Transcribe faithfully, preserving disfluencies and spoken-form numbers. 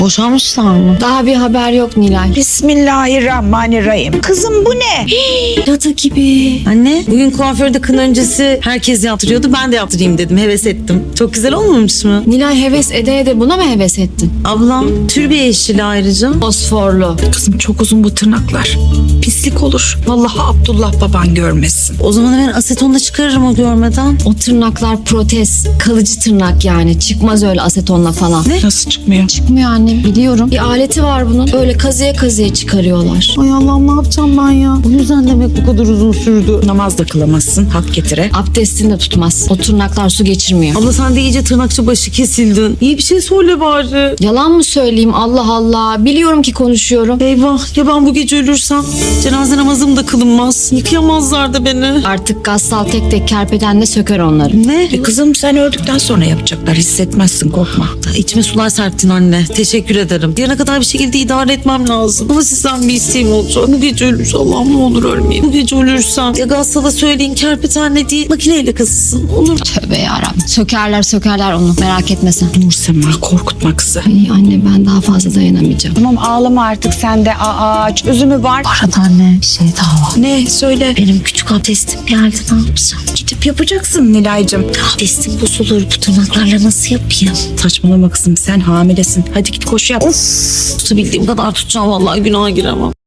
Boşanmışlar mı? Daha bir haber yok Nilay. Bismillahirrahmanirrahim. Kızım bu ne? Yata gibi. Anne bugün kuaförde kın öncesi herkes yaptırıyordu. Ben de yaptırayım dedim. Heves ettim. Çok güzel olmamış mı? Nilay heves ede ede buna mı heves ettin? Ablam türbe yeşili ayrıca. Fosforlu. Kızım çok uzun bu tırnaklar. Pislik olur. Vallahi Abdullah baban görmesin. O zaman hemen asetonla çıkarırım o görmeden. O tırnaklar protez. Kalıcı tırnak yani. Çıkmaz öyle asetonla falan. Ne? Nasıl çıkmıyor? Çıkmıyor annem biliyorum. Bir aleti var bunun. Öyle kazıya kazıya çıkarıyorlar. Ay Allah'ım ne yapacağım ben ya? Bu yüzden demek bu kadar uzun sürdü. Namaz da kılamazsın. Hak getire. Abdestini de tutmaz. O tırnaklar su geçirmiyor. Abla sen de iyice tırnakçı başı kesildin. İyi bir şey söyle bari. Yalan mı söyleyeyim Allah Allah. Biliyorum ki konuşuyorum. Eyvah ya ben bu gece ölürsem? Cenaze namazım da kılınmaz. Yıkayamazlar da beni. Artık gassal tek tek kerpetenle söker onları. Ne? E kızım sen öldükten sonra yapacaklar. Hissetmezsin, korkma. İçime sular serptin anne. Teşekkür ederim. Yarına kadar bir şekilde idare etmem lazım. Ama sizden bir isteğim olacak. Bu gece ölürsem Allah'ım ne olur ölmeyeyim. Bu gece ölürsem ya Gassal'a söyleyin kerpetenle değil makineyle kazısın. Olur mu? Tövbe yarabbim. Sökerler sökerler onu. Merak etme sen. Nur Sema korkutma kızı. Ay anne ben daha fazla dayanamayacağım. Tamam ağlama artık sen de. Aa çözümü var. Arada anne bir şey daha var. Ne söyle. Benim küçük abdestim geldi ne yapacağım? Gidip yapacaksın Nilay'cığım. Abdestim bozulur bu tırnaklarla nasıl yapayım? Saçmalama kızım sen hamilesin. Hadi git koşu yap. Tutabildiğim kadar tutacağım vallahi günaha giremem.